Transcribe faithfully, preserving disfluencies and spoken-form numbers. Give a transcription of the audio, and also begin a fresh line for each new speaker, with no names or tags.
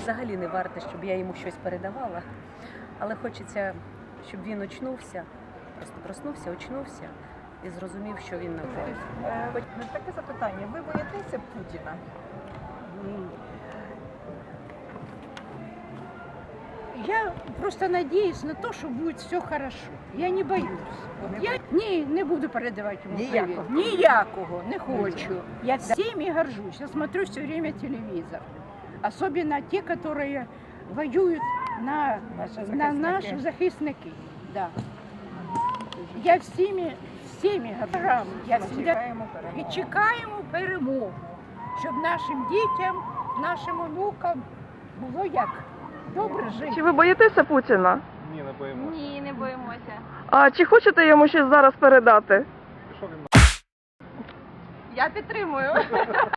взагалі не варте, щоб я йому щось передавала. Але хочеться, щоб він очнувся, просто проснувся, очнувся і зрозумів, що він на полі.
Е, Таке запитання. Ви боїтеся Путіна?
Я просто надеюсь на то, что будет все хорошо. Я не боюсь. Я ні, не буду передавати йому привіт.
Ніякого?
Ніякого, не хочу. Я всеми горжусь. Я смотрю все время телевизор. Особенно те, которые воюют на,
Наші
на
захисники.
наши захисники. Да. Я всеми, всеми горжусь. Я
Ми
всегда...
чекаємо
І
перемоги.
чекаємо перемогу, щоб нашим дітям, нашим онукам було як добре жити.
Чи ви боїтеся Путіна?
Ні, не боїмося.
Ні, не боїмося.
А чи хочете йому щось зараз передати?
Пішов він
Я підтримую.